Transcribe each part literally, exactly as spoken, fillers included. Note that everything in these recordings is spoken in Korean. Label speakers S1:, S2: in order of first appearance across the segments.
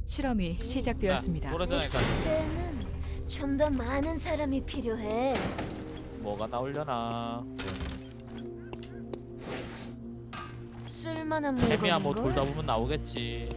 S1: 실험이 시작되었습니다.
S2: 노래자니까
S3: 이제는 좀 더 많은 사람이 필요해.
S2: 뭐가 나오려나.
S3: 쓸만한
S2: 해미야 뭐
S3: 물건인걸?
S2: 돌다 보면 나오겠지.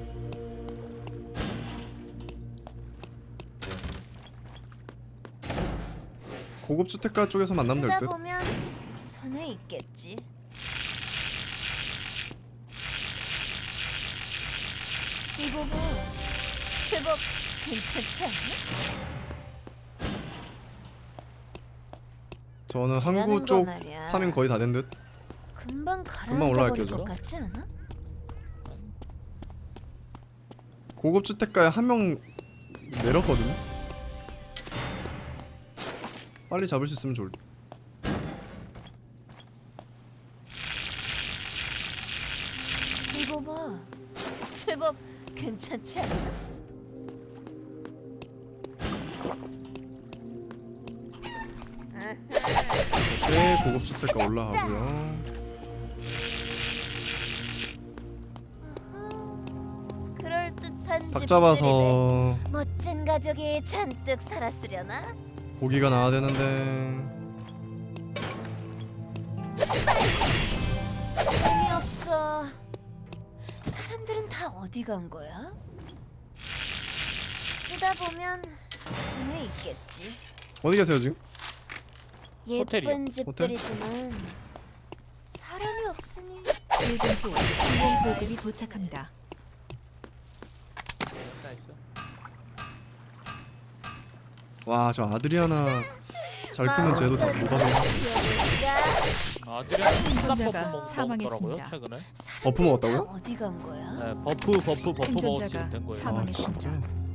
S4: 고급 주택가 쪽에서 만나면 될
S3: 쓰다
S4: 듯.
S3: 보면 손에 있겠지. 이거 봐. 제법 괜찮지 않나?
S4: 저는 항구
S3: 라는 거
S4: 쪽
S3: 말이야.
S4: 파밍 거의 다 된 듯.
S3: 금방
S4: 금방 올라갈게요,
S3: 가라앉아버릴
S4: 저.
S3: 것 같지 않아?
S4: 고급 주택가에 한 명 내렸거든요. 빨리 잡을 수 있으면 좋을 듯.
S3: 이거 봐. 제법 괜찮지 않나?
S4: 네, 고급 주택가 올라가고요.
S3: 그럴듯한
S4: 닭
S3: 집들이네.
S4: 잡아서
S3: 멋진 가족이 잔뜩 살았으려나?
S4: 고기가 나와야 되는데.
S3: 재미없어. 사람들은 다 어디 간 거야? 쓰다 보면 손에 있겠지.
S4: 어디 계세요 지금?
S2: 호텔이요.
S3: 예쁜 집들이지만 사람이 없으니
S1: 일 분 후 항공 보급이 도착합니다.
S2: 나이스.
S4: 와, 저 아드리아나 잘 크면 쟤도 다 노답이야.
S3: 여기가
S2: 아들이랑
S1: 생존자가
S2: 스탑 버프
S1: 사망했습니다.
S2: 먹더라고요 최근에.
S4: 버프 먹었다고요?
S3: 다 어디 간 거야?
S2: 네, 버프 버프 버프
S1: 생존자가
S2: 먹었으면 된 거예요.
S1: 사망-
S4: 아 진짜.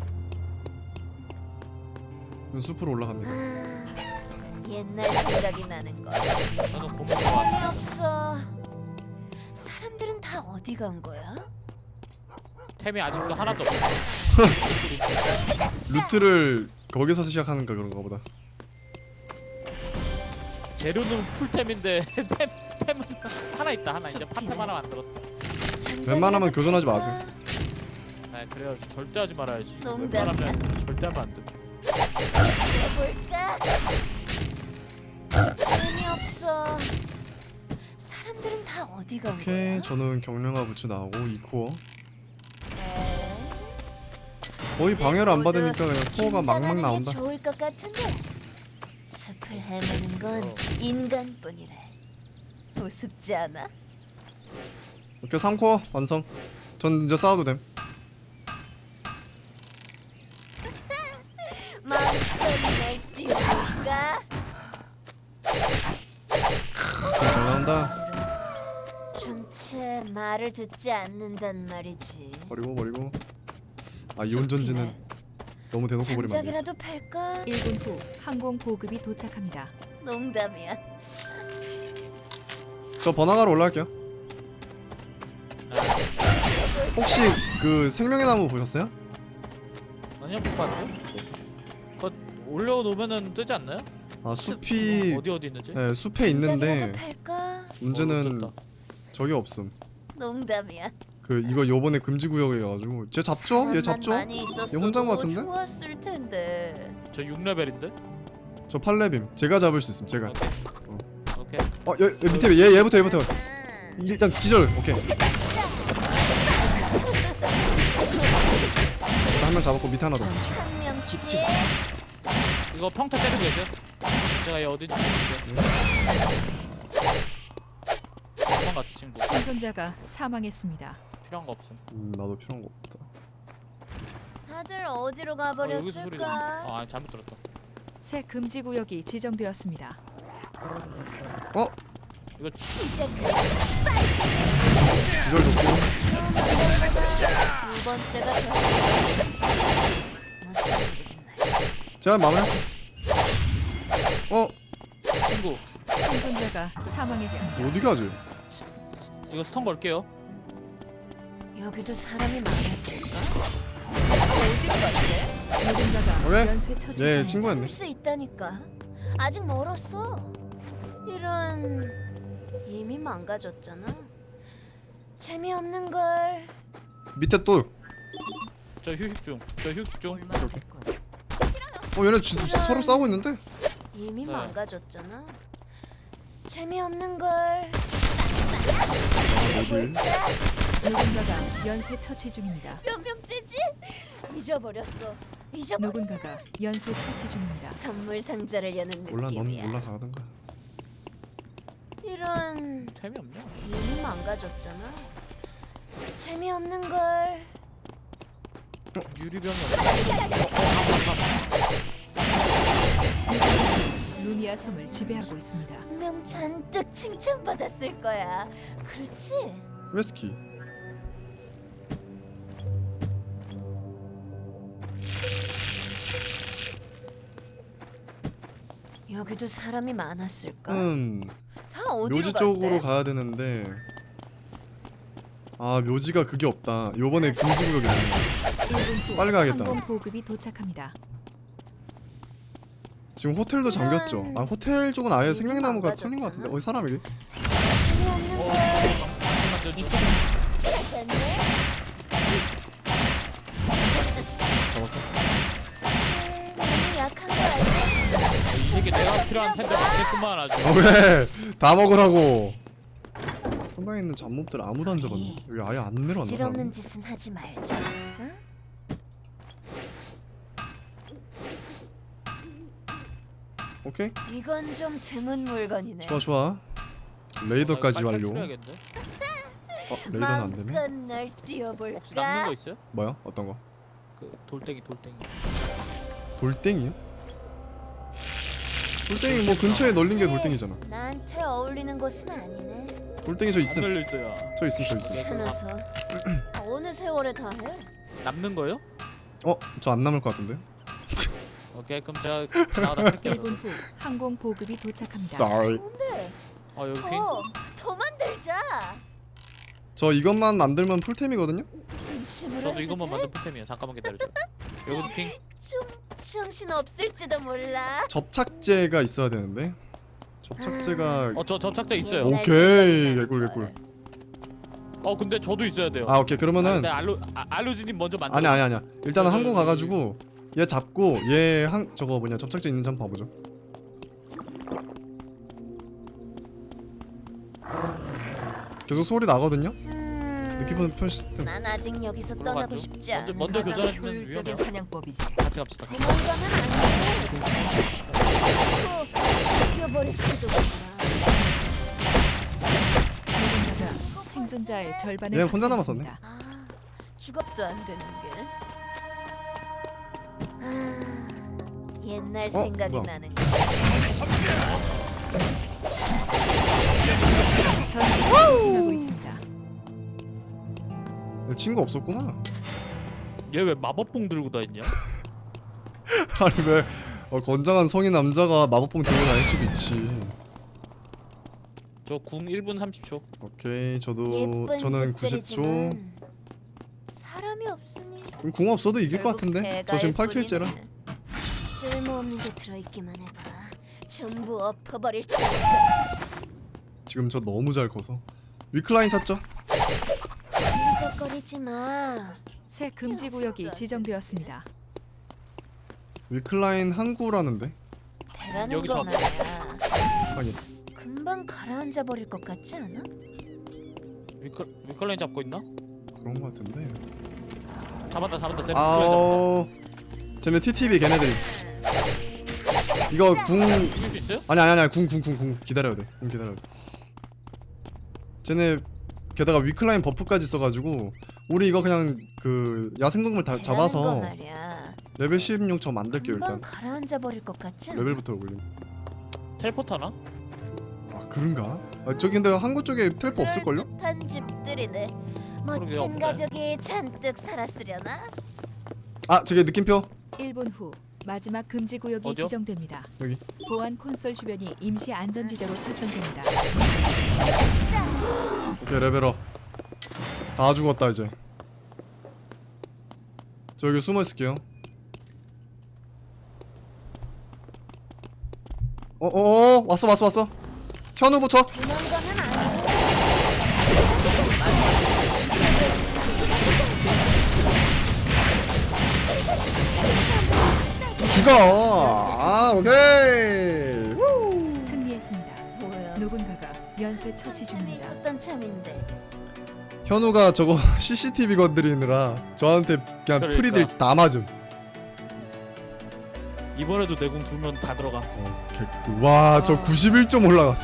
S4: 그럼 숲으로 올라갑니다.
S3: 아, 옛날 생각이 나는 거.
S2: 저는 고기 좋아하지.
S3: 재미없어. 사람들은 다 어디 간 거야?
S2: 템이 아직도 하나도 없어.
S4: 루트를 거기서 시작하는가 그런가 보다.
S2: 재료는 풀템인데 템 템은 하나 있다 하나 이제 파템 하나 만들었다.
S4: 웬만하면 교전하지 마세요.
S2: 네 그래요 절대 하지 말아야지.
S3: 농담이야.
S2: 웬만하면 절대 하면 안 돼.
S3: 볼까? 재미없어. 사람들은 다 어디 간
S4: 오케이,
S3: 거야?
S4: 저는 경량화 부츠 나오고 이 코어.
S3: 에?
S4: 거의 방해를 안
S3: 모두
S4: 받으니까 그냥 코어가 막막
S3: 긴장하는 게
S4: 나온다.
S3: 좋을 것 같은데. 숲을 헤매는 건
S2: 어.
S3: 인간뿐이래. 우습지 않아?
S4: 오케이, 삼 코어 완성. 전 이제 싸워도 됨.
S3: 마음껏 띄울까?
S4: 잘 나온다.
S3: 전체 말을 듣지 않는단 말이지.
S4: 버리고 버리고. 아, 이온 전지는 너무 대놓고 버리면 안 돼.
S3: 장작이라도 팔까?
S1: 일 분 후 항공 보급이 도착합니다.
S3: 농담이야.
S4: 저 번화가로 올라갈게요. 혹시 그 생명의 나무 보셨어요?
S2: 아니요 못 봤는데. 그거 올려놓으면은 뜨지 않나요?
S4: 아, 숲이
S2: 어디 어디 있는지.
S4: 네, 숲에
S3: 장작이라도
S4: 있는데
S3: 팔까?
S4: 문제는
S2: 어,
S4: 저기 없음.
S3: 농담이야.
S4: 그 이거 요번에 금지 구역이어가지고 쟤 잡죠? 얘 잡죠?
S3: 많이 있었어도
S4: 얘 혼자인 것 같은데?
S3: 좋았을 텐데.
S2: 저 육 레벨인데.
S4: 저 팔 레빔 제가 잡을 수 있음. 제가.
S2: 오케이.
S4: 어, 얘, 얘 밑에 얘 얘부터 얘부터.
S3: 아,
S4: 일단 기절. 오케이. 한 명 잡았고 밑에 하나 더.
S3: 한 명씩.
S2: 이거 평타 때리고 계세요. 제가 얘 어딘지 모르겠는데. 도망갔어 친구.
S1: 생존자가 사망했습니다.
S2: 필요한 거 없음.
S4: 음, 나도 필요한 거 없다.
S3: 다들 어디로
S2: 어, 여기서 소리.
S3: 가버렸을까?
S2: 아 잘못 들었다.
S1: 새 금지 구역이 지정되었습니다.
S4: 어?
S2: 이거
S3: 시작해.
S4: 기절 좋고.
S3: 두 번째가 더. 무슨 일이든 말이야.
S4: 제가 마무리. 어?
S2: 친구.
S1: 생존자가 사망했습니다.
S4: 어디 가지?
S2: 이거 스턴 걸게요.
S3: 여기도 사람이 많았을까? 어디로 갔대?
S1: 누군가가
S4: 왜?
S1: 연쇄 처치
S4: 얘
S1: 중입니다.
S4: 친구였네.
S3: 볼 수 있다니까. 아직 멀었어. 이런 이미 망가졌잖아. 재미없는 걸.
S4: 밑에 또
S2: 저 휴식 중. 저 휴식 중.
S1: 얼마 됐군.
S4: 어 얘네 지, 지- 서로 싸우고 있는데?
S3: 이미
S2: 네.
S3: 망가졌잖아. 재미없는 걸.
S4: 어딜?
S1: 누군가가 연쇄 처치 중입니다.
S3: 몇 명째지? 잊어버렸어. 잊어버렸어.
S1: 누군가가 연쇄 처치 중입니다.
S3: 선물 상자를 여는
S4: 몰라 넌
S3: 느낌이야.
S4: 올라가던가.
S3: 이런
S2: 템이 없냐?
S3: 이미 망가졌잖아. 재미없는 걸.
S2: 유리병이 없냐?
S1: 루미아 섬을 지배하고 있습니다.
S3: 분명 잔뜩 칭찬받았을 거야. 그렇지?
S4: 웨스키.
S3: 여기도 사람이 많았을까?
S4: 음
S3: 다 어디로
S4: 묘지
S3: 갔대?
S4: 쪽으로 가야 되는데. 아 묘지가 그게 없다. 요번에 금지구역이 있네.
S1: 일 분 후
S4: 빨리 가야겠다.
S1: 항공 보급이 도착합니다.
S4: 지금 호텔도 잠겼죠. 아 호텔 쪽은 아예 생명나무가
S3: 망가졌잖아.
S4: 털린 것 같은데. 어디 사람이?
S3: 재미없는 걸.
S2: 완전 이쪽.
S3: 괜찮네?
S4: 잡았어.
S3: 너무 약한 거 아니야?
S2: 이 새끼 내가 필요한 텐데 맞겠구만 아주.
S4: 아 왜? 다 먹으라고. 성당에 있는 잡몹들 아무도 안 잡았네. 여기 아예 안 내려왔나?
S3: 질없는
S4: 사람?
S3: 짓은 하지 말자. 응?
S4: 오케이.
S3: 이건 좀 드문 물건이네.
S4: 좋아 좋아. 레이더까지
S2: 아, 빨리
S4: 완료.
S2: 필요하겠는데?
S4: 어 레이더는 안 되네.
S3: 마음껏 날
S2: 혹시 남는
S3: 뛰어볼까?
S2: 거 있어요?
S4: 뭐야? 어떤 거?
S2: 그 돌덩이 돌덩이.
S4: 돌덩이요? 돌덩이 뭐 근처에 널린 게 돌덩이잖아.
S3: 나한테 어울리는 곳은 아니네.
S4: 돌덩이 저
S2: 안
S4: 있음.
S2: 걸려 있어요.
S4: 저 있음 저 있음.
S3: 귀찮아서. 어느 세월에 다 해?
S2: 남는 거요?
S4: 어? 저 안 남을 것 같은데?
S2: 오케이 그럼 제가 지나가다 할게요.
S1: 일 분 후 항공 보급이 도착합니다.
S4: Sorry.
S3: 뭔데?
S2: 어 여기 핑.
S3: 더, 더 만들자.
S4: 저 이것만 만들면 풀템이거든요?
S3: 진심으로
S2: 저도
S3: 해도
S2: 이것만
S3: 돼?
S2: 만든 포템이야. 잠깐만 기다려줘. 여기도 핑.
S3: 좀 정신 없을지도 몰라.
S4: 접착제가 있어야 되는데. 접착제가
S2: 어저 접착제 있어요.
S3: 오.
S4: 오케이 개꿀 개꿀.
S2: 어 근데 저도 있어야 돼요.
S4: 아 오케이
S2: 아,
S4: 그러면은
S2: 근데 알로 아, 알로지님 먼저 만들어.
S4: 아니 아니 아니야. 일단은
S2: 저,
S4: 한국
S2: 저,
S4: 가가지고 얘 잡고 얘 한 저거 뭐냐 접착제 있는지 한번 봐보죠. 계속 소리 나거든요.
S3: 음,
S4: 느낌은 표시 등.
S3: 난 아직 여기서
S2: 그럼
S3: 떠나고
S2: 가죠.
S3: 싶지
S2: 먼저
S3: 않아.
S2: 먼저
S1: 가장
S2: 교전해주면
S1: 효율적인
S2: 위험해요.
S1: 사냥법이지.
S2: 같이 갑시다.
S3: 도망가면 안 돼. 또 죽여버릴지도 몰라.
S1: 누군가가 생존자의 절반을
S4: 얘 혼자
S1: 박살냈습니다.
S4: 남았었네.
S3: 아, 죽업도 안 되는 게. 아, 옛날
S4: 어?
S3: 생각이
S4: 뭐야?
S3: 나는 거.
S1: 전투가 진행하고 있습니다.
S4: 얘 친구 없었구나.
S2: 얘 왜 마법봉 들고 다니냐?
S4: 아니 왜 어, 건장한 성인 남자가 마법봉 들고 다닐 수도 있지.
S2: 저 궁 일 분 삼십 초.
S4: 오케이 저도
S3: 예쁜
S4: 저는 구십 초.
S3: 집들이지만 사람이 없으니
S4: 그럼 궁 없어도 이길 것
S3: 결국
S4: 같은데. 저 지금 팔
S3: 개가일
S4: 킬째라.
S3: 뿐이네. 쓸모없는 게 들어있기만 해봐. 전부 엎어버릴 테니까.
S4: 지금 저 너무 잘 커서. 위클라인 찾죠?
S3: 흔적거리지 마.
S1: 새 금지 구역이 지정되었습니다.
S4: 위클라인 항구라는데.
S3: 배라는
S2: 여기
S3: 거
S2: 저-
S3: 말이야.
S4: 하긴.
S3: 금방 가라앉아 버릴 것 같지 않아?
S2: 위클 위클라인 잡고 있나?
S4: 그런 것 같은데.
S2: 잡았다 잡았다. 쟤 위클라인
S4: 아오. 쟤네 티티비 걔네들이. 이거 궁
S2: 잡았다. 죽일 수 있어요?
S4: 아니 아니 아니 궁 궁 궁 궁 기다려야 돼. 궁 기다려야 돼. 쟤네 게다가 위클라인 버프까지 써가지고 우리 이거 그냥 그 야생동물 다
S3: 배라는 거
S4: 잡아서
S3: 말이야.
S4: 레벨 십육 저 만들게요
S3: 금방
S4: 일단.
S3: 가라앉아 버릴 것 같지 않아?
S4: 레벨부터 올림.
S2: 텔포트 하나?
S4: 아 그런가? 아 저기 근데 항구 쪽에 텔포 없을걸요?
S3: 한 집들이네. 멋진
S2: 없네.
S3: 가족이 잔뜩 살았으려나?
S4: 아 저기 느낌표.
S1: 일 분 후 마지막 금지 구역이
S2: 어디요?
S1: 지정됩니다.
S4: 여기.
S1: 보안 콘솔 주변이 임시 안전지대로 설정됩니다.
S4: 오케이 레벨업. 다 죽었다 이제. 저 여기 숨어 있을게요. 어어어 왔어 왔어 왔어. 현우부터.
S3: 도망가면 안 돼.
S4: 아 오케이. 우.
S1: 승리했습니다.
S3: 뭐야?
S1: 누군가가 연쇄 처치 중입니다.
S3: 있었던 참인데.
S4: 현우가 저거 씨씨티비 건드리느라 저한테 그냥
S2: 그러니까.
S4: 프리들 다 맞음.
S2: 이번에도 내공 두면 다 들어가.
S4: 어, 개꿀. 와, 저
S2: 아.
S4: 구십일 점 올라갔어.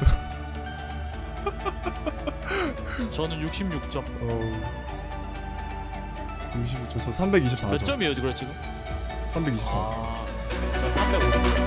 S2: 저는 육십육 점.
S4: 어. 구십일 점, 저 삼백이십사 점.
S2: 몇 점이에요, 그래 지금?
S4: 삼백이십사.
S2: 아, 저 삼백오십 점.